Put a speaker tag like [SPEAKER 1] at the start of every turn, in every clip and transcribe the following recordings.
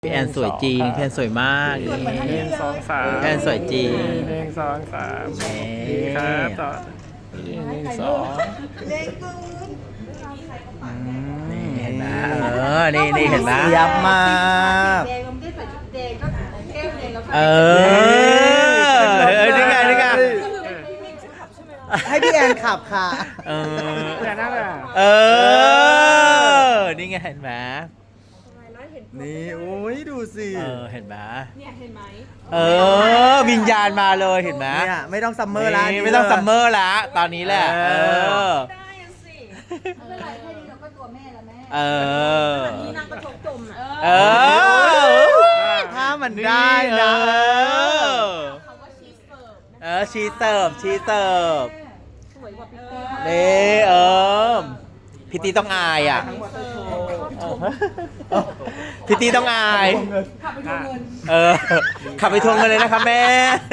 [SPEAKER 1] พี่แอนสวยจริงพี่แอนสวยมากนี่
[SPEAKER 2] 1 2 3
[SPEAKER 1] พี่แอนสวยจริง
[SPEAKER 2] 1 2 3ดีครับต่อ1 2
[SPEAKER 1] นี่เห็นไหมนี่เห็นไหม
[SPEAKER 3] ยับมาก
[SPEAKER 4] แดงเราไม่ได้ใส่ชุดแดงก็แก้วแดงแล้วก็
[SPEAKER 1] นี่ไง
[SPEAKER 3] ให้พี่แอนขับค่ะ
[SPEAKER 2] อย่านั่งอ่ะ
[SPEAKER 1] นี่ไงเห็นไหม
[SPEAKER 3] นี่โอ้ยดูสิ
[SPEAKER 1] เห็นไหม
[SPEAKER 4] เนี่ยเห็นไหม
[SPEAKER 1] วิญญาณมาเลยเห็นไหม
[SPEAKER 3] เนี่ยไม่ต้องซัมเมอร์ละ
[SPEAKER 1] นี่ไม่ต้องซัมเมอร์ละตอนนี้แหละ
[SPEAKER 4] ได้อะสิไม่เป็นไรแค่นี้เราก็ตัวแม่แล้วแม่นี่นางกระทบจมอ่ะ
[SPEAKER 3] ถ้ามันได้นะ
[SPEAKER 4] คำว่าชีสเสิร์ฟนะ
[SPEAKER 1] ชีเสิร์ฟ
[SPEAKER 4] สวยกว่าพี่
[SPEAKER 1] นี่พิตตี้ต้องอายอ่ะพิตตี้ต้องอาย
[SPEAKER 4] ขับไปทวงเงิน
[SPEAKER 1] ขับไปทวงเงินเลยนะคะแม่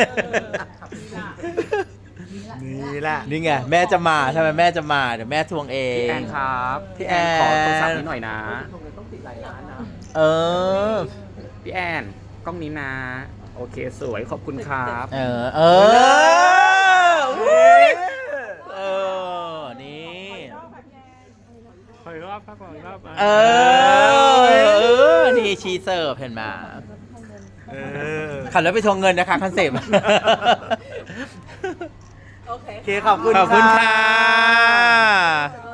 [SPEAKER 3] นี่แหละ
[SPEAKER 1] นี่ไงแม่จะมาใช่ไหมแม่จะมาเดี๋ยวแม่ทวงเอ
[SPEAKER 2] พี่แอง นครับ
[SPEAKER 1] พี่แอน
[SPEAKER 2] ขอโทรศัพท์นิดหน่อยนะ
[SPEAKER 1] เออ
[SPEAKER 2] พี่แอนกล้องนี้นะ โอเคสวยขอบคุณครับ
[SPEAKER 1] นี่
[SPEAKER 2] ขออีกรอบครับขออีกรอบ
[SPEAKER 1] นี่ชีเสิร์ฟเห็นไหมขับรถไปทวงเงินนะคะคอนเซ็ปต์
[SPEAKER 4] โอเค
[SPEAKER 3] โอเคขอบคุณ
[SPEAKER 1] ขอบคุณ
[SPEAKER 3] ค่ะ
[SPEAKER 1] ค่ะ